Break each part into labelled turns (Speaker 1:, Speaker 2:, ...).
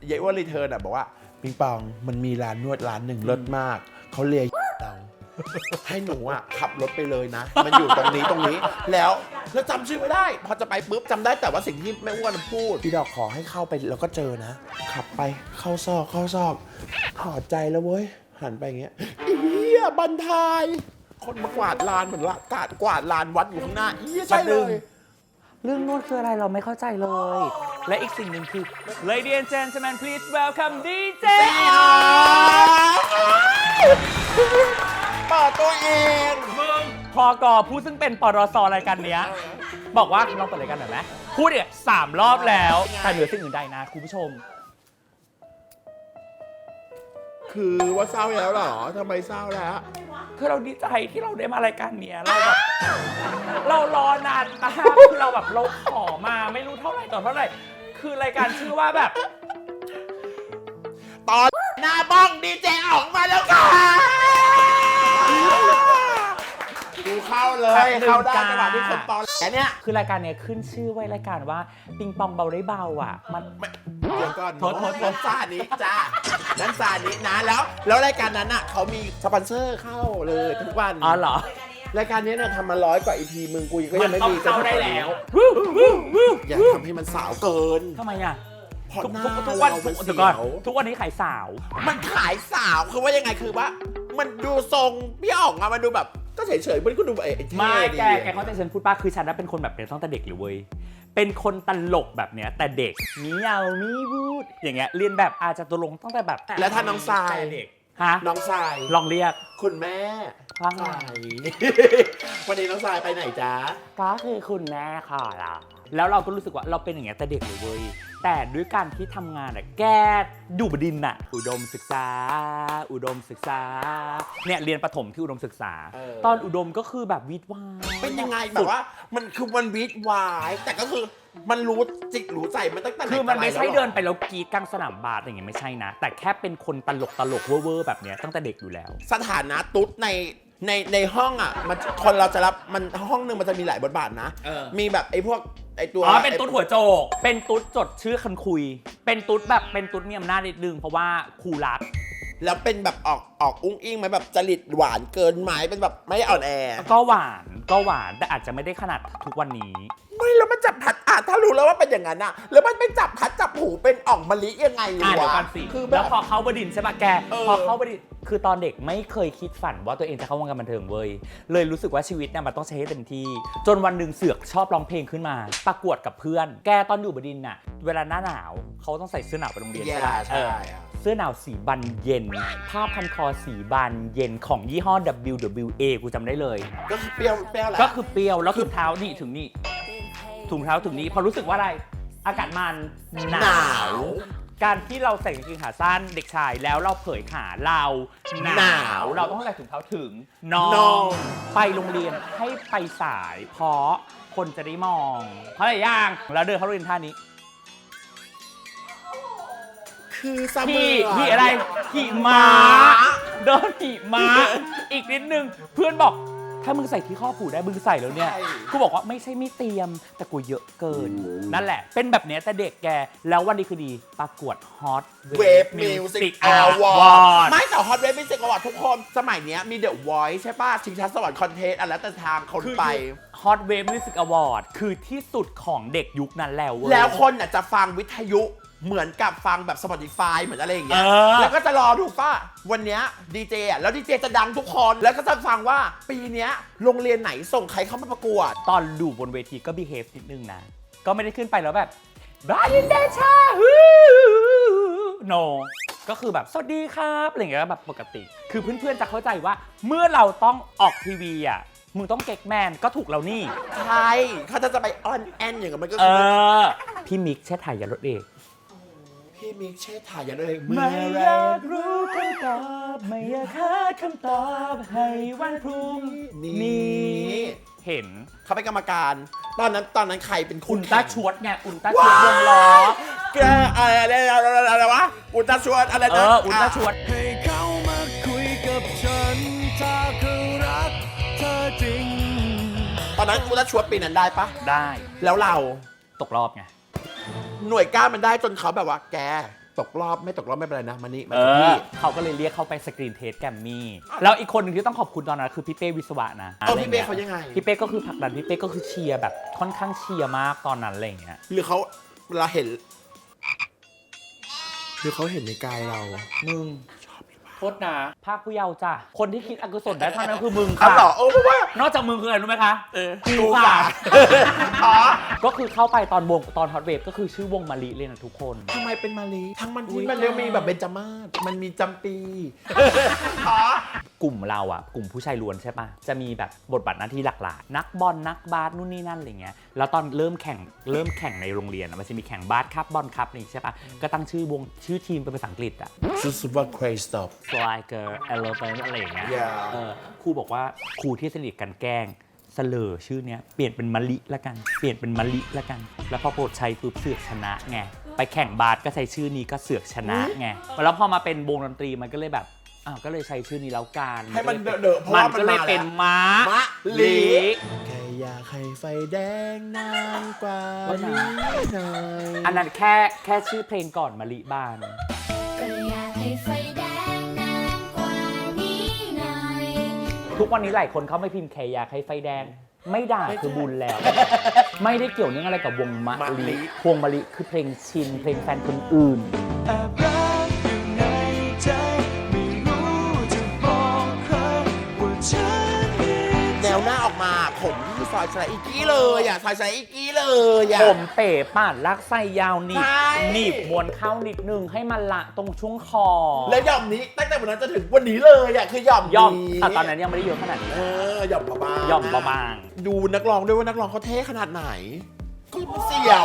Speaker 1: เยอ้วนรีเทิร์นอ่ะบอกว่าปิงปองมันมีร้านนวดร้านหนึ่งเลิศมากเขาเลียเราให้หนูอ่ะขับรถไปเลยนะมันอยู่ตรงนี้แล้วจำชื่อไม่ได้พอจะไปปุ๊บจำได้แต่ว่าสิ่งที่แม่อ้วนพูดพี่ดอกขอให้เข้าไปแล้วก็เจอนะขับไปเข้าซอกถอดใจแล้วเว้ยหันไปอย่างเงี้ยเหี้ยบันทายคนมากวาดลานเหมือนว่ากวาดลานวัดอยู่ข้างหน้าใช่เลย
Speaker 2: เรื่องนวดคืออะไรเราไม่เข้าใจเลย และอีกสิ่งหนึ่งคือ Ladies and Gentlemen please welcome DJ
Speaker 1: เปิดตัวเอง
Speaker 2: มึงพอกอผู้ซึ่งเป็นปรสรายการเนี้ยบอกว่าลองเปิดรายการหน่อยไหมพูดเนี่ย3 รอบแล้วแต่เหนือสิ่งอื่นใดนะคุณผู้ชม
Speaker 1: คือว่าเศร้าแล้วเหรอทำไมเศร้าแล้ว
Speaker 2: คือเราดีใจที่เราได้มารายการเนี้ยเราแบบเรารอนานมากคือเราแบบเราขอมาไม่รู้เท่าไหร่ต่อเท่าไหร่คือรายการชื่อว่าแบบ
Speaker 1: ตอนหน้าบ้องดีเจออกมาแล้วค่ะดูเข้าเลยเข้าได้จังหวะที่คนตอนแค่เนี้ย
Speaker 2: คือรายการเนี้ยขึ้นชื่อไว้รายการว่าปิงปองเบาได้เบาอ่ะมัน
Speaker 1: เดี๋ยวก่อนนั้นซานี้จ้านั้นซานี้นะแล้วรายการนั้นอ่ะเขามีสปอนเซอร์เข้าเลยทุกวัน
Speaker 2: อ๋อเหรอ
Speaker 1: รายการนี้เนี่ยทำมา100 กว่า EP มึงกูก็ยังไม่มี
Speaker 2: เข้าได้แล้ว
Speaker 1: อย่าทำให้มันสาวเกิน
Speaker 2: ทำไมอ่ะ
Speaker 1: เพราะหน้า
Speaker 2: ทุกวัน
Speaker 1: เรามัน
Speaker 2: ทุ
Speaker 1: เสี
Speaker 2: กวัน
Speaker 1: ยว
Speaker 2: ทุกวันนี้ขายสาว
Speaker 1: มันขายสาวคือว่ายังไงคือว่ามันดูทรงพี่ออกมามันดูแบบก็เฉยๆมันก็ดูไอ้เท่
Speaker 2: ไม่
Speaker 1: ดี
Speaker 2: แกเข้าใจฉันพูดป้าคือฉันน่ะเป็นคนแบบเนี้ยตั้งแต่เด็กเลยเว้ยเป็นคนตลกแบบเนี้ยแต่เด็กมีเอามีพูดอย่างเงี้ยเรียนแบบอาจจะตัวลงตั้งแต่แบบ
Speaker 1: แล้วถ้าน้องทราย
Speaker 2: เด็กฮะ
Speaker 1: น้องทราย
Speaker 2: ลองเรียก
Speaker 1: คุณแม่
Speaker 2: ว่าไง
Speaker 1: ทราย วันนี้น้องทรายไปไหนจ๊ะ
Speaker 2: ก็คือคุณแม่ค่ะล่ะแล้วเราก็รู้สึกว่าเราเป็นอย่างเงี้ยแต่เด็กเลยเว้ยแต่ด้วยการที่ทำงานอะแกดูบดินทร์อะอุดมศึกษาเนี่ยเรียนประถมที่อุดมศึกษา ตอนอุดมก็คือแบบวิทย์วาย
Speaker 1: เป็นยังไงแบบว่ามันคือมันวิทย์วายแต่ก็คือมันรู้จิตรู้ใจมันตั้งแต่ไหน
Speaker 2: คือมันไม่ใช่
Speaker 1: แต่ร
Speaker 2: เดินไปแล้วกรีดกลางสนามบาสอย่างเงี้ยไม่ใช่นะ แต่แค่เป็นคนตลกเวอร์แบบเนี้ยตั้งแต่เด็กอยู่แล้ว
Speaker 1: สถานะตุ๊ดในห้องอ่ะมันคนเราจะรับมันห้องนึงมันจะมีหลายบทบาทนะมีแบบไอ้พวกไอ้ตัว
Speaker 2: อ๋อเป็นตุ๊ดหัวโจกเป็นตุ๊ดจดชื่อคันคุย เป็นตุ๊ดแบบเป็นตุ๊ดมีอำนาจนิดนึงเพราะว่าครูรัก
Speaker 1: แล้วเป็นแบบออกอุ้งอิงไหมแบบจริตหวานเกินไหมเป็นแบบไม่อ่อนแอ
Speaker 2: ก็หวานแต่อาจจะไม่ได้ขนาดทุกวันนี้
Speaker 1: ไม่แล้วมันจับพัดถ้ารู้แล้วว่าเป็นอย่างนั้นอะแล้วมันไปจับพัดจับผูเป็นอ่องมะลิยังไง
Speaker 2: เดี๋ยว
Speaker 1: วะ
Speaker 2: กันสิ
Speaker 1: คือแบ
Speaker 2: แล้ว
Speaker 1: บ
Speaker 2: พอเข้าบดินทร์ใช่ปะแก
Speaker 1: เออ
Speaker 2: พอเข้าบดินทร์คือตอนเด็กไม่เคยคิดฝันว่าตัวเองจะเข้าวงการบันเทิงเว้ยเลยรู้สึกว่าชีวิตเนี่ยมันต้องใช้ให้เต็มที่ จนวันหนึ่งเสือกชอบร้องเพลงขึ้นมา ประกวดกับเพื่อน แกตอนอยู่บดินทร์น่ะเวลาหน้าหนาวเขาต้องใส่เสื้อหนาวไปโรงเรียน
Speaker 1: แย่
Speaker 2: ใช่ปะ
Speaker 1: ใช่
Speaker 2: เสื้อหนาวสีบันเย็น ผ้าพันคอสีบานเย็นของยี่ห้อ WWA กูจำได้เลย
Speaker 1: ก็คือเปรี้ยวแหละ
Speaker 2: ก็คือเปรี้ยวแล้วถุงเท้านี่ถึงนี่ถุงเท้าถึงนี้พอรู้สึกว่าอะไร อากาศมันหนาว การที่เราใส่กางเกงขาสั้นเด็กชายแล้วเราเผยขาเราหนาวเราต้องใส่ถุงเท้าถึงน้องไปโรงเรียนให้ไปสาย เพราะคนจะได้มองเพราะอะไรย่างแล้วเดินเข้าโรงเรียนท่านี้
Speaker 1: คือเสมอ
Speaker 2: ขี่อะไรขี่ม้าเดินขี่ม้าอีกนิดนึงเพื่อนบอกถ้ามึงใส่ที่ข้อผูได้มึงใส่แล้วเนี่ยกูบอกว่าไม่ใช่ไม่เตรียมแต่กูเยอะเกินนั่นแหละเป็นแบบเนี้ยแต่เด็กแกแล้ววันดีคือดีประกวด Hot
Speaker 1: เวฟมิวสิกอวอร์ดไม่แต่ฮอตเวฟมิวสิกอวอร์ดทุกคนสมัยเนี้ยมีเดอะวอยซ์ใช่ป่ะชิงช้าสวรรค์คอนเทสต์อะไรแต่ทางคนไป
Speaker 2: Hot Wave Music Award คือที่สุดของเด็กยุคนั้นแล้วเว้ย
Speaker 1: แล้วคนน่ะจะฟังวิทยุเหมือนกับฟังแบบ Spotify เหมือนอะไรอย่างเงี้ย แล้วก็จะรอดูป่ะวันเนี้ยดีเจอ่ะแล้วดีเจจะดังทุกคนแล้วก็จะฟังว่าปีเนี้ยโรงเรียนไหนส่งใครเข้ามาประกวด
Speaker 2: ตอนดูบนเวทีก็ behave นิดนึงนะ ก็ไม่ได้ขึ้นไปแล้วแบบบรายินเดชาno ก็คือแบบสวัสดีครับอะไรอย่างเงี้ยแบบปกติ คือเพื่อนๆจะเข้าใจว่าเมื่อเราต้องออกทีวีอ่ะมึงต้องเก๊กแมนก็ถูกแล้วนี่
Speaker 1: ใช่เขาจะไปออนแอนอย่างเงี้ยมันก็
Speaker 2: เอ
Speaker 1: คือ
Speaker 2: อ พี่มิกเช่ถ่ายยารถเอก
Speaker 1: พี่มิกเช่ถ่ายอย่างเลย
Speaker 2: ไม่อยากรู้คำตอบไม่อยากหาคำตอบให้วันพรุ่งนี้เห็น
Speaker 1: เขาเป็นกรรมการ ตอนนั้นใครเป็น
Speaker 2: อุ
Speaker 1: คุณ
Speaker 2: ลตร้าชวดไงอุลตร้าชวดวงล้อ
Speaker 1: แกอะไรวะอุลตร้าชวดอะไรนะ
Speaker 2: อุลตร้าชวด
Speaker 3: ให้เขามาคุยกับฉันถ้าเขารักเธอจริง
Speaker 1: ตอนนั้นอุลตร้าชวดปีนั้นได้ปะ
Speaker 2: ได้
Speaker 1: แล้วเรา
Speaker 2: ตกรอบไง
Speaker 1: หน่วยก้านมันได้จนเขาแบบว่าแกตกรอบไม่ตกรอบไม่เป็นไรนะมานี่มา
Speaker 2: เอ
Speaker 1: ที่
Speaker 2: อ
Speaker 1: พี่
Speaker 2: เขาก็เลยเรียกเขาไปสกรีนเทสแกรมมี่แล้วอีกคนหนึ่งที่ต้องขอบคุณตอนนั้นคือพี่เป้วิศวะนะ
Speaker 1: พี่เป้เขายังไง
Speaker 2: พี่เป้ก็คือผลักดันพี่เป้ก็คือเชียร์แบบค่อนข้างเชียร์มากตอนนั้นอะไรอย่างเงี้ย
Speaker 1: หรือเขาเวลาเห็นหรือเขาเห็นในกายเรา
Speaker 2: มึงโทษนะภาคผู้เยาว์จ้ะคนที่คิดอกุศลได้เท่านั้นคือมึง
Speaker 1: อ้าว
Speaker 2: ค่ะ
Speaker 1: เหรอโอ้เพราะว่าน
Speaker 2: อกจากมึงคืออะไรรู้ไหมคะ
Speaker 1: กูค่ะอ๋อ
Speaker 2: ก็คือเข้าไปตอนวงตอนฮอตเวฟก็คือชื่อวงมะลิเลยนะทุกคน
Speaker 1: ทำไมเป็นมาลีทั้งมันที่มันเรียกมีแบบเบญจมาศมันมีจำปีอ๋อก
Speaker 2: ลุ่มเราอ่ะกลุ่มผู้ชายล้วนใช่ปะจะมีแบบบทบาทหน้าที่หลักๆนักบอลนักบาสนู่นนี่นั่นอะไรเงี้ยแล้วตอนเริ่มแข่งในโรงเรียนอะมันจะมีแข่งบาสครับบอลครับนี่ใช่ปะก็ตั้งชื่อวงชื่อทีมเป็นภาษาอังกฤษอ่ะ
Speaker 1: สุดๆว่า crazy stuff
Speaker 2: Striker Elephant อะไรอย่างเงี้ย
Speaker 1: Yeah
Speaker 2: ครูบอกว่าครูที่สนิทกันแกล้งเสลอชื่อเนี้ยเปลี่ยนเป็นมะลิละกันเปลี่ยนเป็นมะลิละกัน แล้วพอโปรดชัยปุ๊บเสือกชนะไงไปแข่งบาสก็ใช้ชื่อนี้ก็เสือกชนะไงแล้วพอมาเป็นวงดนตรีมันก็เลยแบบก็เลยใช้ชื่อนี้แล้วกัน
Speaker 1: ให้มันเดอะๆเพราะ
Speaker 2: มั
Speaker 1: ว่าน มัน
Speaker 2: ก็เลย
Speaker 1: มา
Speaker 2: เป็น
Speaker 1: แล้ว
Speaker 2: ม้าม
Speaker 1: ะลิ
Speaker 2: ลิ
Speaker 1: แค่อยากให้ไฟแดงนานกว่า
Speaker 2: ว่านะ
Speaker 1: นี้หน่อย
Speaker 2: อันนั้นแค่ชื่อเพลงก่อนมะลิบาน
Speaker 4: ก็อยากให้ไฟแดงนานกว่านี้หน่อย
Speaker 2: ทุกวันนี้หลายคนเขาไม่พิมพ์แคอยากให้ไฟแดง ไม่ด่าคือบุญแล้ว ไม่ได้เกี่ยวเนื่องอะไรกับวงมะลิวงมะลิคือเพลงชินเพลงแฟนคนอื่น
Speaker 3: แอบรักอยู่ในใจไม่รู้จะบอกใครว่าฉันมี
Speaker 1: แนวหน้าออกมาผมที่ซอยสไลอีกกี้เลยอ่ะซอยสไลอีกกี้เลยอ่ะ
Speaker 2: ผมเป๋ปาดลักไส้ยาวหนีบ
Speaker 1: ใช่
Speaker 2: หนีบมวนเข้านิดนึงให้มันละตรงช่วงคอ
Speaker 1: แล้วหย่อมนี้ตั้งแต่วันนั้นจนถึงวันนี้เลยอ่ะคือหย่อม
Speaker 2: ย่อม
Speaker 1: นี้
Speaker 2: แต่ตอนนั้นยังไม่ได้เยอะขนาดนี้
Speaker 1: หย่อมบางๆ
Speaker 2: ย่อมบาง
Speaker 1: ดูนักร้องด้วยว่านักร้องเขาเท่ขนาดไหนเสียว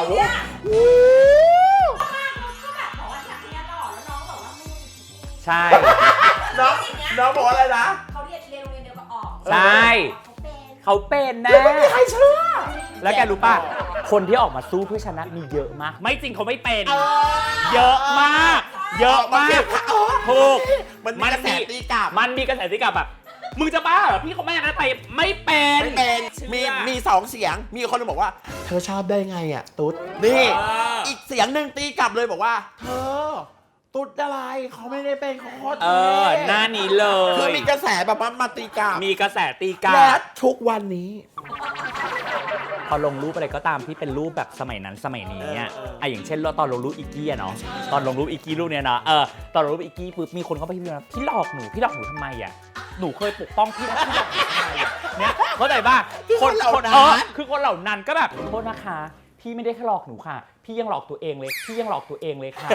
Speaker 2: ใช่
Speaker 1: น้องบอกว่าอะไรนะ
Speaker 4: เขาเรียนโรงเรียนเดียวกับอ๋อง
Speaker 2: ใช่
Speaker 4: เขาเป็น
Speaker 2: เขาเป็นนะ
Speaker 1: ไม่มีใครเชื่อ
Speaker 2: แล้วแกรู้ป่ะ คนที่ออกมาสู้เพื่อชนะมีเยอะมาก ไม่จริงเขาไม่เป็น เยอะมาก เยอะมากถูก
Speaker 1: มันมีกระแสตีกลับ
Speaker 2: มันมีกระแสตีกลับแบบ มึงจะบ้าเหรอพี่เขาไม่อย่างนั้นไปไม่เป็น
Speaker 1: ไม่เป็น
Speaker 2: เชื่อ
Speaker 1: มีสองเสียง มีคนหนึงบอกว่า เธอชอบได้ไงอ่ะ ตุ๊ด นี่ อีกเสียงหนึ่งตีกลับเลยบอกว่า เธอ ตุ๊ดอะไรเขาไม่ได้เป็นเขาโคตร
Speaker 2: หน้านี้เล
Speaker 1: คือย มีกระแสแบบว่ามาตีกลับ
Speaker 2: มีกระแสตีกลั
Speaker 1: และ
Speaker 2: บ
Speaker 1: ทุกวันนี้
Speaker 2: พอลงรูปอะไรก็ตามที่เป็นรูปแบบสมัยนั้นสมัยนี้อ่ะอย่างเช่นตอนลงรูปอีกกี้อะเนาะตอนลงรูปอีกกี้รูปเนี้ยเนาะตอนลงรูปอีกกี้ปุ๊บมีคนเข้าไปพิมพ์ว่าพี่หลอกหนูทำไมอ่ะหนูเคยปกป้องพี่นะพี่หลอกหนูทำไมอ่ะเนี่ยเข้าใจป่ะ
Speaker 1: คนเหล่านั้น
Speaker 2: คือคนเหล่านั้นก็แบบโทษนะคะพี่ไม่ได้แค่หลอกหนูค่ะ พี่ยังหลอกตัวเองเลยค่ะ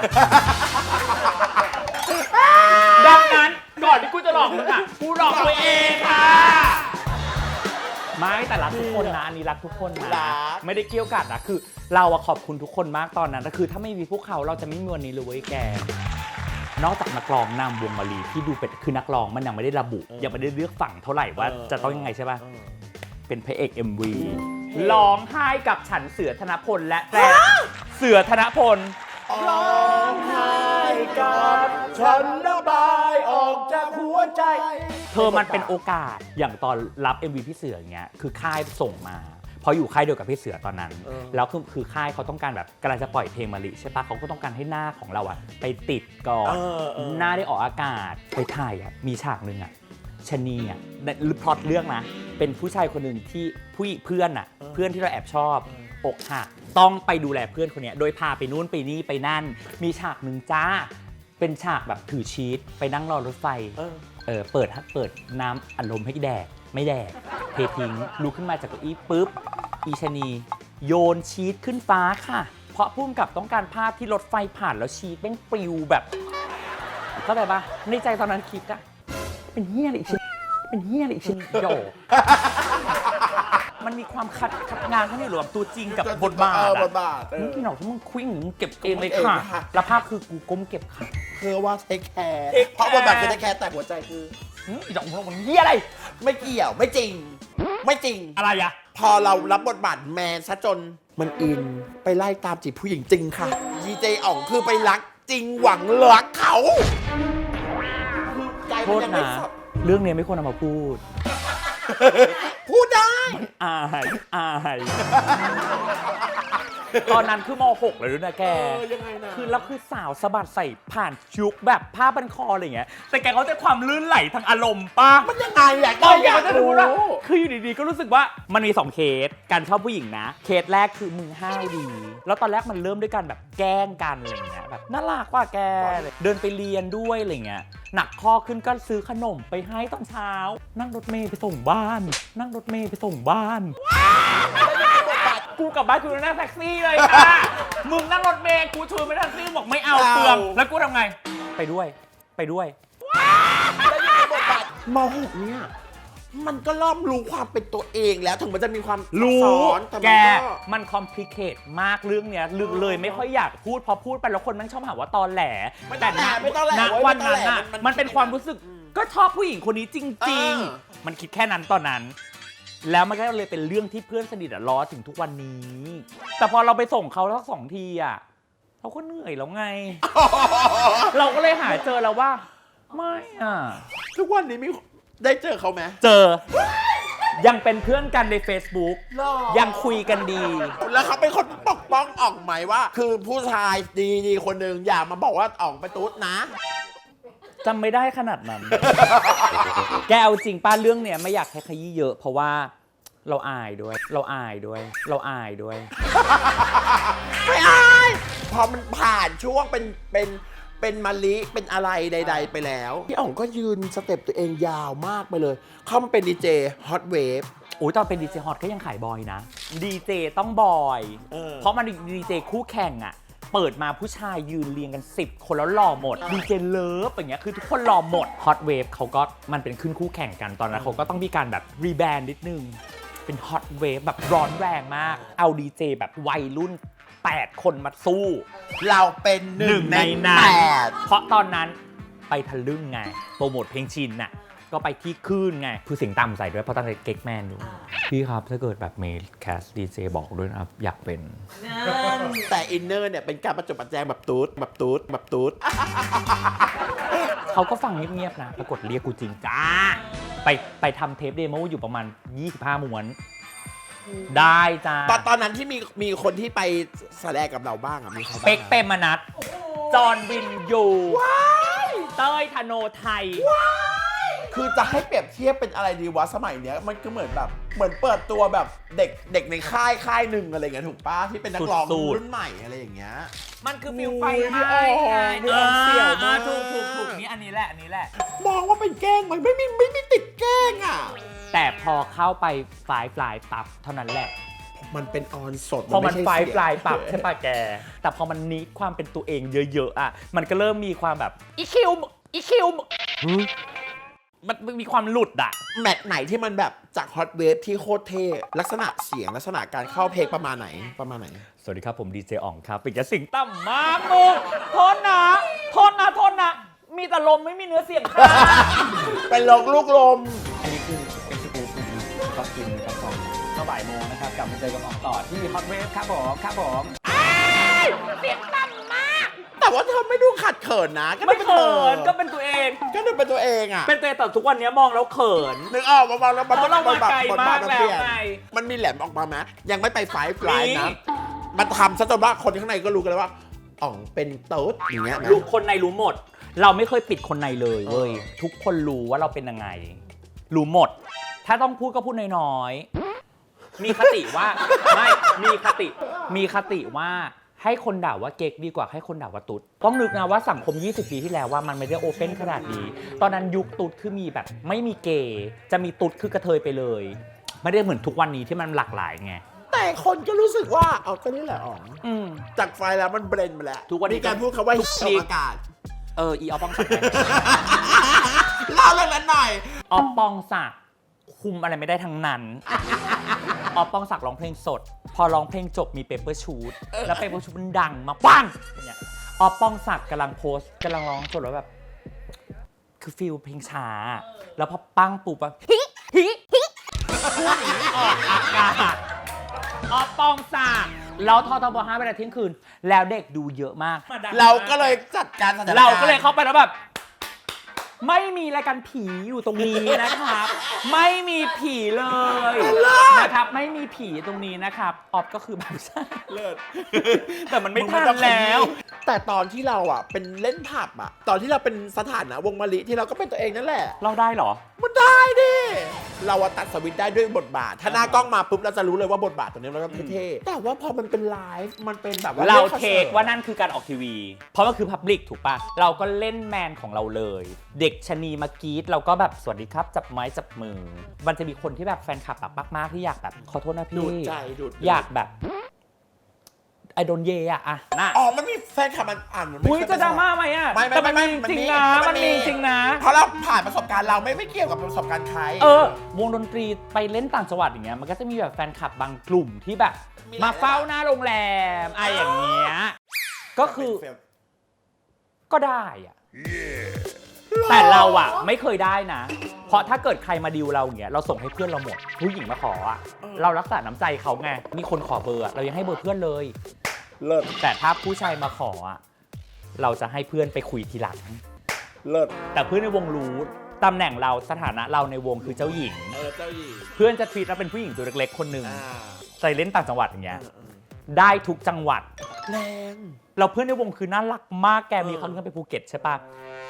Speaker 2: ดังนั้นก่อนที่กูจะหลอกมึงอ่ะกูหลอกตัวเองค่ะไม่แต่รักทุกคนนะอันนี้รักทุกคนนะ
Speaker 1: รัก
Speaker 2: ไม่ได้เกี่ยวกัดนะคือ เราอะขอบคุณทุกคนมากตอนนั้นแต่คือถ้าไม่มีพวกเขาเราจะไม่มีวันนี้เลยเว้ยแก นอกจากนักร้องนำวงมะลีที่ดูเป็นคือนักร้องมันยังไม่ได้ระบุ ยังไม่ได้เลือกฝั่งเท่าไหร่ว่าจะต้องยังไงใช่ป่ะเป็นพระเอก MV ร้องไห้กับฉันเสือธนพลและแกรเสือธนพล
Speaker 1: ร้องไห้กับฉันระบายออกจากหัวใจ
Speaker 2: เธอมันเป็นโอกาสอย่างตอนรับ MV พี่เสืออย่างเงี้ยคือค่ายส่งมาเพราะอยู่ค่ายเดียวกับพี่เสือตอนนั้น แล้วคือค่ายเขาต้องการแบบกำลังจะปล่อยเพลงมะลิใช่ปะเขาก็ต้องการให้หน้าของเราอะไปติดก่อนหน้าได้ออกอากาศไปถ่ายอะมีฉากหนึ่งอะชะนีอะพล็อตเรื่องนะเป็นผู้ชายคนหนึ่งที่เพื่อนอะเพื่อนที่เราแอบชอบอกหักต้องไปดูแลเพื่อนคนเนี้ยโดยพาไปนู่นไปนี่ไปนั่น มีฉากหนึ่งจ้าเป็นฉากแบบถือชีตไปนั่งรอรถไฟเปิดน้ำอัดลมให้แดกไม่แดกเททิ้งลุกขึ้นมาจากเก้าอี้ปุ๊บอีชะนีโยนชีตขึ้นฟ้าค่ะ เพราะพุ่มกับต้องการภาพที่รถไฟผ่านแล้วชีตแม่งปลิวแบบเข้าใจปะในใจตอนนั้นคิดอะเป็นเฮี้ยอะไรอีกชิ้นเป็นเฮี้ยอะไรอีกชิ้นโยมันมีความขัดงานข้างในหลวมตัวจริงกับบทบาท
Speaker 1: บทบาท
Speaker 2: มึงพี่หนอกถ้ามึงควิ่งมึงเก็บเองเลยค่ะ แล้วภาพคือกูก้มเก็บค่ะ
Speaker 1: เพื่อว่าเทคแคร์เพราะบทบาทคือเทคแคร์แต่หัวใจคือ
Speaker 2: อีดอกมึงเฮี้ยอะไร
Speaker 1: ไม่เกี่ยวไม่จริง ไม่จริง
Speaker 2: อะไรอะ
Speaker 1: พอเรารับบทบาทแมนซะจนมันอินไปไล่ตามจีบผู้หญิงจริงค่ะดีเจอ๋องคือไปรักจริงหวังรักเขาคือใจ
Speaker 2: โท
Speaker 1: มัน
Speaker 2: ษ
Speaker 1: ยังไม่
Speaker 2: นะ
Speaker 1: สับ
Speaker 2: เรื่องนี้ไม่ควรเอามาพูด
Speaker 1: พูดได้
Speaker 2: อายตอนนั้นคือม .6 เลยด้วยนะแก
Speaker 1: ยังไงนะ
Speaker 2: คือแล้วคือสาวสะบัดใส่ผ่านยุคแบบผ้าบันคออะไรอย่างเงี้ย แต่แกเขาจะความลื่นไหลทางอารมณ์ป่ะ
Speaker 1: มันยังไงอ่ะ
Speaker 2: ตอนแกเขาจะ
Speaker 1: รู้
Speaker 2: รู้ว่าคืออยู่ดีๆก็รู้สึกว่ามันมี2เคสการชอบผู้หญิงนะ เคสแรกคือมึงห้าวดี แล้วตอนแรกมันเริ่มด้วยการแบบแกล้งกันอะไรอย่างเงี้ยแบบน่ารักว่าแกเดินไปเรียนด้วยอะไรเงี้ยหนักข้อขึ้นก็ซื้อขนมไปให้ตอนเช้า นั่งรถเมล์ไปส่งบ้าน นั่งรถเมล์ไปส่งบ้านกูกลับบ้านกูนั่งแท็กซี่เลยค่ะมึงนั่งรถเมล์กูชวนไปแท็กซี่บอกไม่เอาเปลืองแล้วกูทำไงไปด้วยไปด้วย
Speaker 1: ม .6 เนี่ยมันก็เริ่มรู้ความเป็นตัวเองแล้วถึงมันจะมีความ
Speaker 2: รู้
Speaker 1: ซับซ้อนแต่
Speaker 2: แก
Speaker 1: มันก็
Speaker 2: มันคอมพลีเคทมากเรื่องเนี้ยลึกเลยไม่ค่อยอยากพูดพอพูดไปแล้วคนมันชอบหาว่าตอแหล
Speaker 1: ไม่ต้องแหลไม่ต้องแหล
Speaker 2: ณ
Speaker 1: เว้ย
Speaker 2: วัน
Speaker 1: ไม่ต้อง
Speaker 2: นั้น
Speaker 1: แหล
Speaker 2: น่ะ
Speaker 1: มัน
Speaker 2: มันเป็นความรู้สึกก็ชอบผู้หญิงคนนี้จริง ๆ มันคิดแค่นั้นตอนนั้น แล้วมันก็เลยเป็นเรื่องที่เพื่อนสนิทอะล้อถึงทุกวันนี้ แต่พอเราไปส่งเขาทั้งสองทีอะเราก็เหนื่อยแล้วไง เราก็เลยหาเจอแล้วว่าไม่อะ
Speaker 1: ทุกวันนี้มีได้เจอเขาไหม
Speaker 2: เจอ ยังเป็นเพื่อนกันใน Facebook ยังคุยกันดี
Speaker 1: แล้วเขาเป็นคนปกป้องอ่องไหมว่า คือผู้ชายดีๆคนหนึ่งอย่ามาบอกว่าอ่องไปตุ๊ดนะ
Speaker 2: จำไม่ได้ขนาดนั้น แกเอาจริงป้าเรื่องเนี้ยไม่อยากให้ขยี้เยอะเพราะว่าเราอายด้วย เราอายด้วย เราอายด้วย
Speaker 1: ไม่อายพอมันผ่านช่วงเป็นมะลิเป็นอะไรใด ๆ ไปแล้วพี่อ่องก็ยืนสเต็ปตัวเองยาวมากไปเลย เข้ามาเป็นดีเจฮอตเวฟ
Speaker 2: โอ้ยตอนเป็นดีเจฮอตก็ยังขายบอยนะ ดีเจต้องบอย เพราะมันดีเจคู่แข่งอะเปิดมาผู้ชายยืนเรียงกัน 10 คนแล้วหล่อหมด ดีเจเลิฟอย่างเงี้ยคือทุกคนหล่อหมดฮอตเวฟเขาก็มันเป็นขึ้นคู่แข่งกันตอนนั้นเขาก็ต้องมีการแบบรีแบรนด์นิดนึง เป็นฮอตเวฟแบบร้อนแรงมาก เอาดีเจแบบวัยรุ่น 8 คนมาสู้
Speaker 1: เราเป็นหนึ่งใน
Speaker 2: นั้น
Speaker 1: แปด
Speaker 2: เพราะตอนนั้นไปทะลึ่งไงโปรโมทเพลงชินน่ะก็ไปที่คลื่นไงคือเสียงต่ำใส่ด้วยเพราะตอนนั้นเก๊กแมนอยู่พี่ครับถ้าเกิดแบบเมลแคสดีเจบอกด้วยนะครับอยากเป็น
Speaker 1: แต่อินเนอร์เนี่ยเป็นการประจบประแจงแบบตูดแบบตูดแบบตูด
Speaker 2: เขาก็ฟังเงียบๆนะปรากฏเรียกกูจริงจ้าไปทำเทปเดโมอยู่ประมาณ 25 ม้วน ได้จ้า
Speaker 1: ตอนนั้นที่มีคนที่ไปแสดงกับเราบ้างอะมีใครบ้าง
Speaker 2: เป๊กเปรมนัทจอห์นวินยูเต้ยธโนไทย
Speaker 1: คือจะให้เปรียบเทียบเป็นอะไรดีวะสมัยเนี้ยมันก็เหมือนแบบเหมือนเปิดตัวแบบเด็กในค่ายหนึ่งอะไรเงี้ยถูกป้าที่เป็นนักร้อง
Speaker 2: สุดๆ
Speaker 1: รุ่นใหม่อะไรอย่างเงี้ย
Speaker 2: มันคือฟิลไฟ
Speaker 1: อุ้ย
Speaker 2: ไหม้
Speaker 1: พี่อ๋องเสี่ยวมาก
Speaker 2: ถูกนี่อันนี้แหละอันนี้แหละ
Speaker 1: มองว่าเป็นแกล้งไหมไม่มีติดแกล้งอ่ะ
Speaker 2: แต่พอเข้าไปไฟล์ปลายปับเท่านั้นแหละ
Speaker 1: มันเป็นออนสด
Speaker 2: พอมัน
Speaker 1: ไใช่
Speaker 2: ไฟล์
Speaker 1: เสียง
Speaker 2: ปลายปับใช่ปะแก แต่พอมันนิดความเป็นตัวเองเยอะๆอ่ะมันก็เริ่มมีความแบบอีคิวมันมีความหลุดอ่ะ
Speaker 1: แมตช์ไหนที่มันแบบจากฮอตเวฟที่โคตรเท่ลักษณะเสียงลักษณะการเข้าเพลงประมาณไหน
Speaker 2: สวัสดีครับผมดีเจอ่องครับปิดจะสิงตั้มมากมุกโทษนะมีแต่ลมไม่มีเนื้อเสียงค่ะ
Speaker 1: เป็นลงลูกลม
Speaker 2: อันนี้คือเป็นสกู๊ปก็กินกันต่อก็บ่ายโมงนะครับกลับมาเจอกับอ่องต่อที่ฮอตเวฟครับผมเสียงตั้มมาก
Speaker 1: แต่ว่าเธอไม่ดูขัดเขินนะก็
Speaker 2: ไม่
Speaker 1: ดู
Speaker 2: เขิน
Speaker 1: ธอ
Speaker 2: ก็เป็นตัวเอง
Speaker 1: ก็ดูเป็นตัวเองอ่ะ
Speaker 2: เป็นตัวเองแต่ทุกวันนี้มองแล้วเขิน
Speaker 1: นึกออกมาแล้ว
Speaker 2: เพราะเรามาไกลมาก
Speaker 1: น
Speaker 2: แล้
Speaker 1: เป
Speaker 2: ว
Speaker 1: ยน
Speaker 2: ไง
Speaker 1: มันมีแหลมออกมาไหมยังไม่ไปไฟล์นะ
Speaker 2: นี่
Speaker 1: มันทำซะจนว่าคนข้างในก็รู้กันแล้วว่าอ๋องเป็นโต๊ดอย่างเงี้ยนะ
Speaker 2: รู้คนในรู้หมด เราไม่เคยปิดคนในเลยเว้ยทุกคนรู้ว่าเราเป็นยังไง รู้หมด ถ้าต้องพูดก็พูดน้อยๆมีคติว่าไม่มีคติว่าให้คนด่าว่าเก๊กดีกว่าให้คนด่าว่าตุ๊ดต้องนึกนะว่าสังคม 20 ปีที่แล้วว่ามันไม่ได้โอเพ่นขนาดนี้ตอนนั้นยุคตุ๊ดคือมีแบบไม่มีเกย์จะมีตุ๊ดคือกระเทยไปเลย ไม่ได้เหมือนทุกวันนี้ที่มันหลากหลายไง
Speaker 1: แต่คนก็รู้สึกว่าเอาก็นี่แหละอ๋อง
Speaker 2: อืม
Speaker 1: จากไฟล์แล้วมันเบรนไปแล้ว
Speaker 2: ทุกวันนี้
Speaker 1: มีการพูดคำว่า
Speaker 2: ทุก
Speaker 1: ออกอากาศ
Speaker 2: อีออฟปองศักดิ์
Speaker 1: เล่าเรื่องนั้นหน่อย
Speaker 2: ออฟปองศักดิ์คุมอะไรไม่ได้ทั้งนั้น ออฟปองศักดิ์ร้องเพลงสด พอร้องเพลงจบมีเปเปอร์ชูตแล้วเปเปอร์ชูตมันดังมาปังอย่างเงี้ยออฟปองศักดิ์กำลังโพสต์กำลังร้องสดแล้วแบบคือฟิลเพลงช้า แล้วพอปังปุ๊บอะฮิพูดอย่างนี้ออกอากาศออฟปองศักดิ์แล้วททบ5เวลาเที่ยงคืน แล้วเด็กดูเยอะมาก
Speaker 1: เราก็เลยจัดการสถานการณ์
Speaker 2: เราก็เลยเข้าไปแล้วแบบไม่มีรายการผีอยู่ตรงนี้นะครับ ไม่มีผีเลยนะครับ ไม่มีผีตรงนี้นะครับออฟก็คือแบบใช่เลิศแต่มันไม่ทันแล้ว
Speaker 1: แต่ตอนที่เราอ่ะเป็นเล่นผับอ่ะ ตอนที่เราเป็นสถานะวงมะลิที่เราก็เป็นตัวเองนั่นแหละ
Speaker 2: เราได้เหรอ
Speaker 1: มันได้ดิ เราอะตัดสวิตช์ได้ด้วยบทบาท ถ้าหน้ากล้องมาปุ๊บเราจะรู้เลยว่าบทบาทตัวนี้เราก็เท่ๆแต่ว่าพอมันเป็นไลฟ์มันเป็นแบบว่า
Speaker 2: เรา
Speaker 1: ล่นอน
Speaker 2: เท
Speaker 1: สิ
Speaker 2: คว่านั่นคือการออกทีวี เพราะมันคือพับลิกถูกปะเราก็เล่นแมนของเราเลย เด็กชะนีมากรีดเราก็แบบสวัสดีครับจับไม้จับมือ มันจะมีคนที่แบบแฟนคลับแบบมากๆที่อยากแบบขอโทษนะ
Speaker 1: ดู
Speaker 2: พี่
Speaker 1: ดใจดูด
Speaker 2: อยากแบบไอโดนเยอะน่ะ
Speaker 1: อ๋อมันมีแฟนคลับมันอ่านมันไม่
Speaker 2: อุ้ย
Speaker 1: เคย
Speaker 2: จะดราม่าไหมอะ
Speaker 1: ไม่
Speaker 2: แต่มันมีจริงนะมันมีจริงนะ
Speaker 1: เพราะเราผ่านประสบการณ์เราไม่เกี่ยวกับประสบการณ์ใคร
Speaker 2: วงดนตรีไปเล่นต่างจังหวัดอย่างเงี้ยมันก็จะมีแบบแฟนคลับบางกลุ่มที่แบบ
Speaker 1: มีหลาย
Speaker 2: มาเฝ้าหน้าโรงแรมอย่างเงี้ยก็คือก็ได้อะแต่เราอะไม่เคยได้นะ เพราะถ้าเกิดใครมาดิวเราอย่างเงี้ยเราส่งให้เพื่อนเราหมดผู้หญิงมาขออะเรารักษาน้ำใจเขาไงมีคนขอเบอร์อะเรายังให้เบอร์เพื่อนเลย
Speaker 1: เลิศ
Speaker 2: แต่ถ้าผู้ชายมาขออะเราจะให้เพื่อนไปคุยทีหลัง
Speaker 1: เลิศ
Speaker 2: แต่เพื่อนในวงรู้ตำแหน่งเราสถานะเราในวงคือเจ้าหญิง
Speaker 1: เจ้าหญิง
Speaker 2: เพื่อนจะทวีตเราเป็นผู้หญิงตัวเล็กๆคนหนึ่ง
Speaker 1: อ่า
Speaker 2: ใส่เล่นต่างจังหวัดอย่างเงี้ยได้ทุกจังหวัด
Speaker 1: แรง
Speaker 2: เราเพื่อนในวงคือน่ารักมากแกมีเขาเรื่องไปภูเก็ตใช่ปะ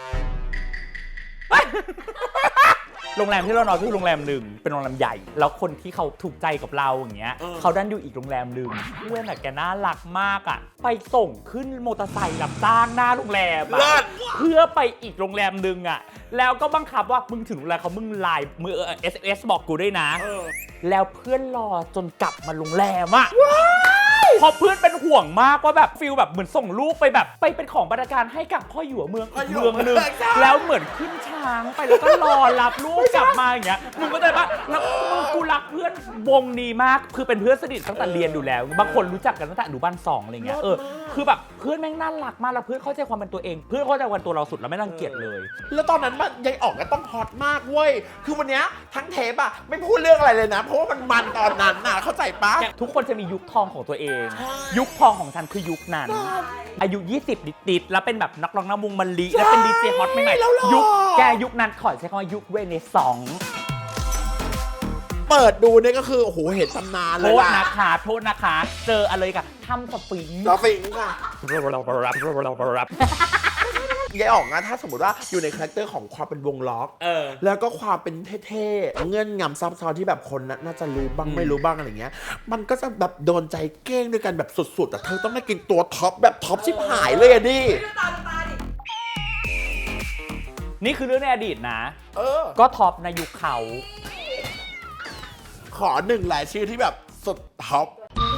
Speaker 2: โรงแรมที่เรานอนคือโรงแรมหนึ่งเป็นโรงแรมใหญ่ แล้วคนที่เขาถูกใจกับเราอย่างเงี้ยเขาดันอยู่อีกโรงแรมหนึ่งเพื่อนอะแกน่ารักมากอะไปส่งขึ้นมอเตอร์ไซค์รับจ้างหน้าโรงแรมอะเพื่อไปอีกโรงแรมหนึ่งอะแล้วก็บังคับว่ามึงถึงโรงแรมเขามึงไลน์มือSMS บอกกูด้วยนะแล้วเพื่อนรอจนกลับมาโรงแรมอะพอเพื่อนเป็นห่วงมากว่าแบบฟิลแบบเหมือนส่งลูกไปแบบไปเป็นของบรรณาการให้กับพ่อหยวเมืองอีกเมืองหนึ่งแล้วเหมือนขึ้นช้างไปแล้วก็รอรับลูกกลับมาอย่างเงี้ยมึงก็ได้ปะแล้วมึงกูรักเพื่อนวงนี้มากคือเป็นเพื่อนสนิทตั้งแต่เรียนอยู่แล้วบางคนรู้จักกันตั้งแต่อนุบาล2อะไรเงี้ยคือแบบเพื่อนแม่งน่ารักมากแล้วเพื่อนเข้าใจความเป็นตัวเองเพื่อนเข้าใจความตัวเราสุดแล้วไม่รังเกียจเลย
Speaker 1: แล้วตอนนั้นมันยายออกก็ต้องฮอตมากเว้ยคือวันเนี้ยทั้งเทปอะไม่พูดเรื่องอะไรเลยนะ เพราะว่ามันตอนนั้นน่ะเข้าใจปะ
Speaker 2: ทุกคนจะมียุคทองของตัวเอง ยุคทองของฉันคือยุคนั้น อายุ 20 ดิดๆแล้วเป็นแบบนักร้องนำวงมะลิแล้วเป็นดีเจฮอตใหม่ๆยุคแกยุคนั้นขอใช้คำว่ายุคเรเนซองส์
Speaker 1: เปิดดูเนี่ยก็คือโอ้โหเห็นตำนานเล
Speaker 2: โท
Speaker 1: ย
Speaker 2: ษ
Speaker 1: ล่ะ
Speaker 2: นะคะโทษนะคะเจออะไรกับถ้ำสปริง
Speaker 1: เราฟิงค่ะยายออกนะถ้าสมมติว่าอยู่ในคาแรคเตอร์ของความเป็นวงล็อกแล้วก็ความเป็นเท่ๆเงื่อนงำซับซ้อนที่แบบคนน่าจะรู้บ้างไม่รู้บ้างอะไรเงี้ยมันก็จะแบบโดนใจเก้งด้วยกันแบบสุดๆแต่เธอต้องได้กินตัวท็อปแบบท็อปชิบหายเลยอะดิ
Speaker 2: นี่คือเรื่องในอดีตนะก็ท็อปในยุคเขา
Speaker 1: ขอหนึ่งรายชื่อที่แบบสุดท็อป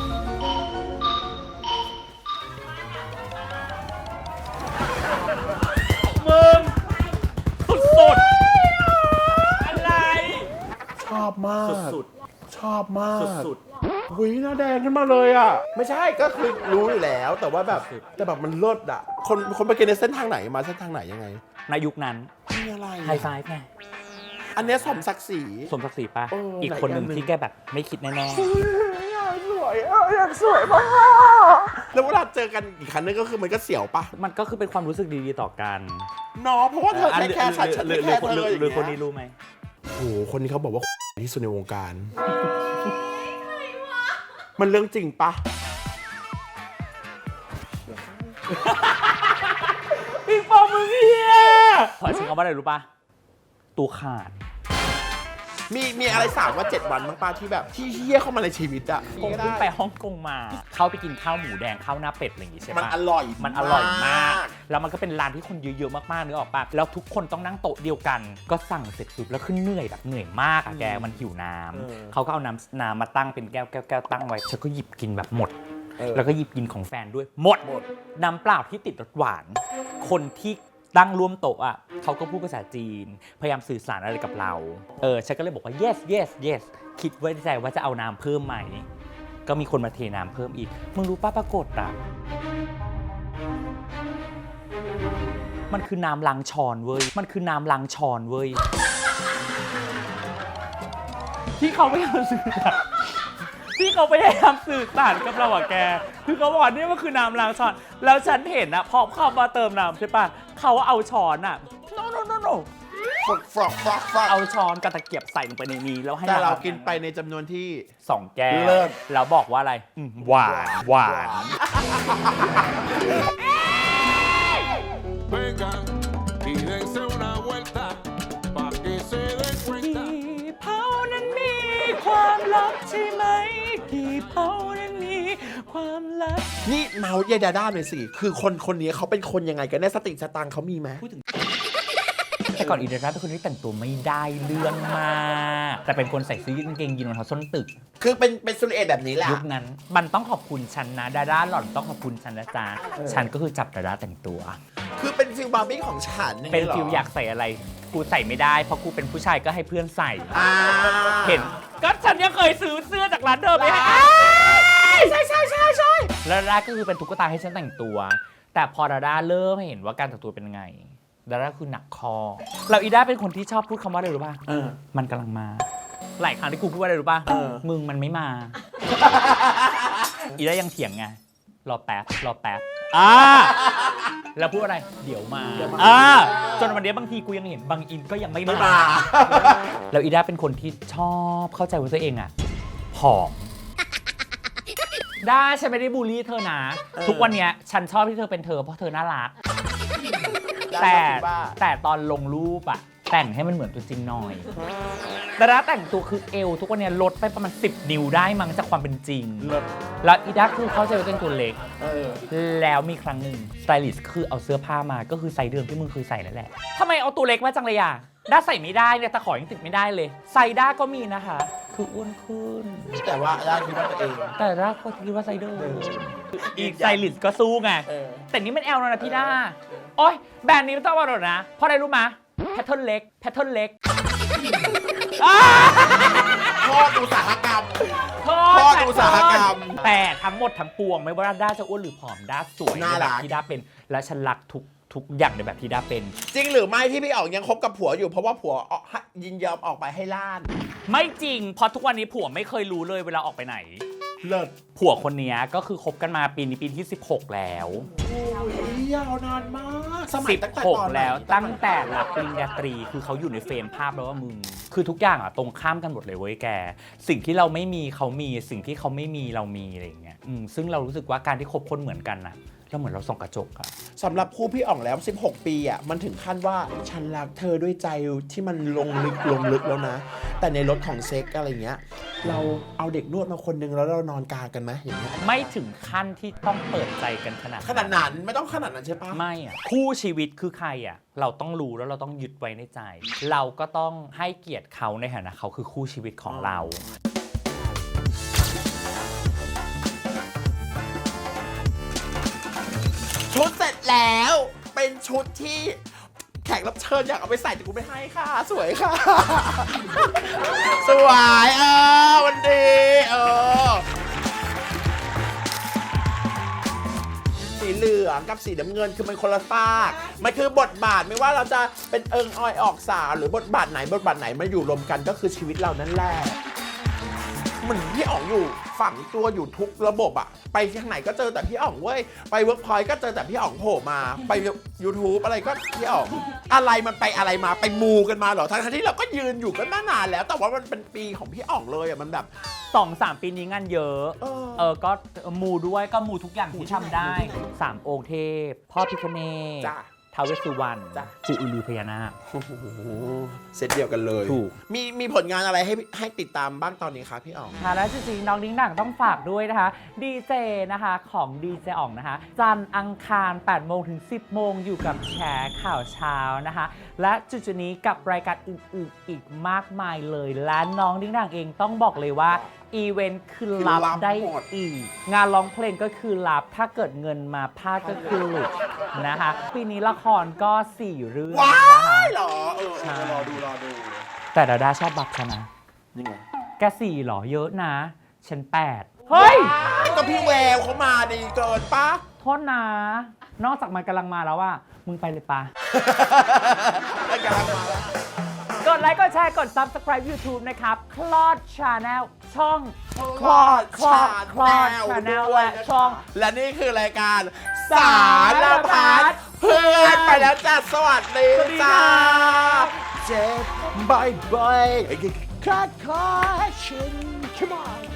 Speaker 2: มึงสุดๆอะไร
Speaker 1: ชอบมาก
Speaker 2: สุด
Speaker 1: ชอบมาก
Speaker 2: สุด
Speaker 1: หุยหน้าแดงขึ้นมาเลยอ่ะ ไม่ใช่ก็คือรู้อยู่แล้วแต่ว่าแบบแต่แบบมันเลิศอ่ะคนไปกินในเส้นทางไหนมาเส้นทางไหนยังไง
Speaker 2: ในยุคนั้น
Speaker 1: มีอะไร
Speaker 2: ไฮไฟว์ไง
Speaker 1: อันเนี้ยสมศักดิ์ศรี
Speaker 2: สมศักดิ์ศรีป่ะ
Speaker 1: เอออี
Speaker 2: อีกคนหนึ่ง
Speaker 1: ไหนอันหนึ่ง
Speaker 2: ที่แกแบบไม่คิดแน่
Speaker 1: อยากสวยอยากสวยมากแล้วเวลาเจอกันอีกครั้งนึงก็คือมันก็เสียวปะ
Speaker 2: ๆมันก็คือเป็นความรู้สึกดีๆต่อกัน
Speaker 1: เนาะเพราะว่าเธอแค่แค่ฉัน
Speaker 2: หรือ
Speaker 1: แค่เธอ
Speaker 2: หรือคนนี้รู้ไหม
Speaker 1: โอ้โหคนนี้เขาบอกว่า ที่สุดในวงการ มันเรื่องจริงปะ
Speaker 2: ปิงปองมึงเฮียขอชิงคำว่าอะไรรู้ป่ะตัวขาด
Speaker 1: มีอะไร3 วัน 7 วันบ้างป้าที่แบบที่เฮี้ยเข้ามาในชีวิตอะ
Speaker 2: คงเพิ่งไปฮ่องกงมา เข้าไปกินข้าวหมูแดงข้าวหน้าเป็ดอะไรอย่างงี้ใช่ปะ
Speaker 1: มันอร่อย
Speaker 2: มันอร่อยมาก แล้วมันก็เป็นร้านที่คนเยอะๆมากๆนึกออกปะแล้วทุกคนต้องนั่งโต๊ะเดียวกัน ก็สั่งเสร็จปุ๊บแล้วขึ้นเหนื่อยแบบเหนื่อยมากอะแกมันหิวน้ำเขาก็เอาน้ำมาตั้งเป็นแก้วตั้งไว้ฉันก็หยิบกินแบบหมด แล้วก็หยิบกินของแฟนด้วยหมดน้ำเปล่าที่ติดรสหวาน คนที่ตั้งร่วมโต๊ะอ่ะเขาก็พูดภาษาจีนพยายามสื่อสารอะไรกับเราฉันก็เลยบอกว่า yes คิดไว้ในใจว่าจะเอาน้ำเพิ่มไหมก็มีคนมาเทน้ำเพิ่มอีกมึงรู้ป้าปรากฏอ่ะมันคือน้ำล้างช้อนเว้ยมันคือน้ำล้างช้อนเว้ยที่เขาพยายามสื่อสารที่เขาพยายามสื่อสารกับเราอะแกคือเขาบอกนี่มันคือน้ำล้างช้อนแล้วฉันเห็นอะพอเข้ามาเติมน้ำใช่ปะเขาเอาช้อนอะ no
Speaker 1: ฝึกฟรอกฟรอกฟรอก
Speaker 2: เอาช้อนกับตะเกียบใส่ลงไปในนี้แล้วให้
Speaker 1: แต่เรา
Speaker 2: น้ำ
Speaker 1: กินไปในจำนวนที่
Speaker 2: 2 แก้ว
Speaker 1: เลิศ
Speaker 2: แล้วบอกว่าอะไรหวานหวาน
Speaker 5: Vengan y dense una vuelta pa' que se den cuenta.
Speaker 2: กี่เผานั้นมีความลับใช่ไหมกี่เผานั้นมีความลับ
Speaker 1: นี่เมาส์ยายดาด้าหน่อยสิ คือคนนี้เขาเป็นคนยังไงกันแน่สติสตังค์เขามีไหม
Speaker 2: แต่ก่อนอีเดร่าเป็นคนที่แต่งตัวไม่ได้เรื่องมากแต่เป็นคนใส่เสื้อยืดกางเกงยีนรองเท้าส้นตึก
Speaker 1: คือเป็นสุริเอตแบบนี้แหละ
Speaker 2: ยุคนั้นมันต้องขอบคุณฉันนะดาด้าหล่อนต้องขอบคุณฉันนะจ๊ะฉันก็คือจับดาด้าแต่งตัว
Speaker 1: คือเป็นฟิลบาร์บี้ของฉัน
Speaker 2: เป็น
Speaker 1: หร
Speaker 2: ฟิลอยากใส่อะไรกูใส่ไม่ได้เพราะกูเป็นผู้ชายก็ให้เพื่อนใส่
Speaker 1: อ่า
Speaker 2: เห็นก็ฉันยังเคยซื้อเสื้อจากร้านเดิมไปให้ใช่แล้วดาด้าก็คือเป็นตุ๊กตาให้ฉันแต่งตัว แต่พอดาด้าเริ่มให้เห็นว่าการแต่งตัวเป็นยังไงดาด้าคือหนักคอเราอีด้าเป็นคนที่ชอบพูดคำว่าอะไรรู้ป่ะมันกำลังมาหลายครั้งที่กูพูดว่าอะไรรู้ป่ะมึงมันไม่มา อีด้ายังเถียงไงรอแป๊บแล้วพูดอะไรเดี๋ยวมาจนวันนี้บางทีกูยังเห็นบางอินก็ยังไม่มาแล้วอีด้าเป็นคนที่ชอบเข้าใจว่าตัวเองอะผอมได้ฉันไม่ได้บูลลี่เธอนะทุกวันเนี้ยฉันชอบที่เธอเป็นเธอเพราะเธอน่ารักแต่ตอนลงรูปอะแต่งให้มันเหมือนตัวจริงหน่อยแต่ละแต่งตัวคือเอวทุกวันเนี้ยลดไปประมาณ10 นิ้วได้มั้งจากความเป็นจริงแล้วอีด้าคือเข้าใจว่าตัวเองตัวเล็กแล้วมีครั้งหนึ่งสไตลิสต์คือเอาเสื้อผ้ามาก็คือไซส์เดิมที่มึงเคยใส่นั่นแหละทำไมเอาตัวเล็กมาจังเลยอ่ะด้าใส่ไม่ได้เนี่ยตะขอยังติดไม่ได้เลยไซส์ด้าก็มีนะคะคืออ้วนขึ้น
Speaker 1: แต่ว่าด้าคิดว่าตัวเอง
Speaker 2: แต่ด้าก็คิดว่าไซส์เดิมอีกสไตลิสต์ก็สู้ไงแต่นี่มันแอลแล้วนะพี่ด้าโอ๊ยแบรนด์นี้ไม่ต้องมาหรอกนะเพราะอะไรรู้มะแพทเทิร์นเล็ก
Speaker 1: โทษอุตสาหกรรม
Speaker 2: แต่ทั้งหมดทั้งปวงไม่ว่าด้าจะอ้วนหรือผอมด้าสวย
Speaker 1: น่ารัก
Speaker 2: ที่ด้าเป็นและฉันรักทุกอย่างในแบบที่ด้าเป็น
Speaker 1: จริงหรือไม่ที่พี่อ๋องยังคบกับผัวอยู่เพราะว่าผัวยินยอมออกไปให้ล่าน
Speaker 2: ไม่จริงเพราะทุกวันนี้ผัวไม่เคยรู้เลยเวลาออกไปไหน
Speaker 1: เลิศ
Speaker 2: ผัวคนนี้ก็คือคบกันมาปีนี้ปีที่16แล้ว
Speaker 1: โอ้ยยาวนานมากสมัยตั้งแต่ตอน
Speaker 2: 16แล้วตั้งแต่รับปริญญาตรีคือเขาอยู่ในเฟรมภาพแล้วว่ามึงคือทุกอย่างอะตรงข้ามกันหมดเลยเว้ยแกสิ่งที่เราไม่มีเขามีสิ่งที่เขาไม่มีเรามีอะไรอย่างเงี้ยซึ่งเรารู้สึกว่าการที่คบคนเหมือนกันนะแล้วเหมือนเราส่องกระจกอะ
Speaker 1: สำหรับคู่พี่อ๋องแล้ว16 ปีอ่ะมันถึงขั้นว่าฉันรักเธอด้วยใจที่มันลงลึกแล้วนะแต่ในรถของเซ็กอะไรเงี้ยเราเอาเด็กนวดมาคนนึงแล้วเรานอนกลางกันไหมอย่างเงี้ย
Speaker 2: ไม่ถึงขั้นที่ต้องเปิดใจกันขนาด
Speaker 1: นั้นไม่ต้องขนาดนั้นใช่ปะ
Speaker 2: ไม่อะคู่ชีวิตคือใครอะเราต้องรู้แล้วเราต้องยึดไว้ในใจ เราก็ต้องให้เกียรติเขาในฐานะเขาคือคู่ชีวิตของเรา
Speaker 1: ชุดเสร็จแล้วเป็นชุดที่แขกรับเชิญอยากเอาไปใส่แต่กูไม่ให้ค่ะสวยค่ะ สวยวันดีสีเหลืองกับสีน้ำเงินคือมันคนละฝากมันคือบทบาทไม่ว่าเราจะเป็นเอิงออยออกสาวหรือบทบาทไหนมาอยู่รวมกันก็คือชีวิตเรานั่นแหละเหมือนพี่อ๋องอยู่ฝังตัวอยู่ทุกระบบอะไปที่ไหนก็เจอแต่พี่อ๋องเว้ยไปเวิร์กพอยต์ก็เจอแต่พี่อ๋องโผล่มาไป YouTube อะไรก็พี่อ๋องอะไรมันไปอะไรมาไปมูกันมาเหรอทั้งที่เราก็ยืนอยู่กันมานานแล้วแต่ว่ามันเป็นปีของพี่อ๋องเลยอะมันแบบ
Speaker 2: 2-3 ปีนี้งานเยอะก็มูด้วยก็มูทุกอย่างที่ทำได้3 องค์เทพพ่อพิฆเนศท้าวเวสสุวรรณปู่อือลือพญานาค
Speaker 1: เซตเดียวกันเลย
Speaker 2: ถูก
Speaker 1: มีผลงานอะไรให้ติดตามบ้างตอนนี้ครับพี่อ๋อง
Speaker 2: ค่ะและจริงๆน้องดิ้งหนังต้องฝากด้วยนะคะดีเจนะคะของดีเจอ๋องนะคะจันทร์อังคาร 8 โมงถึง 10 โมงอยู่กับแชร์ข่าวเช้านะคะและจุดนี้กับรายการอื่นๆอีกมากมายเลยและน้องดิ้งหนังเองต้องบอกเลยว่าอีเวนต์คือรับได้อีกงานร้องเพลงก็คือรับถ้าเกิดเงินมาพลาดก็คือหลุดนะคะปีนี้ละครก็4 เรื่องนะคะ
Speaker 1: หรอรอดู
Speaker 2: แต่ดาด้าชอบบักฉันนะ
Speaker 1: นี่ไง
Speaker 2: แก4หรอเยอะนะฉัน8เฮ้ย
Speaker 1: ก็พี่แววเขามาดีเกินปะ
Speaker 2: โทษนะนอกจากมันกำลังมาแล้วว่ามึงไปเลยปะ
Speaker 1: กำลังมาแล้ว
Speaker 2: กดไลค์กดแชร์กด Subscribe YouTube นะครับคลอด Channel ช่อง
Speaker 1: คลอด
Speaker 2: Channel และช่อง
Speaker 1: และนี่คือรายการสารพัดเพื่อนไปแล้วจ้าสวัสดีจ้าเจ็บบ่อยๆขาดคอฉัน come on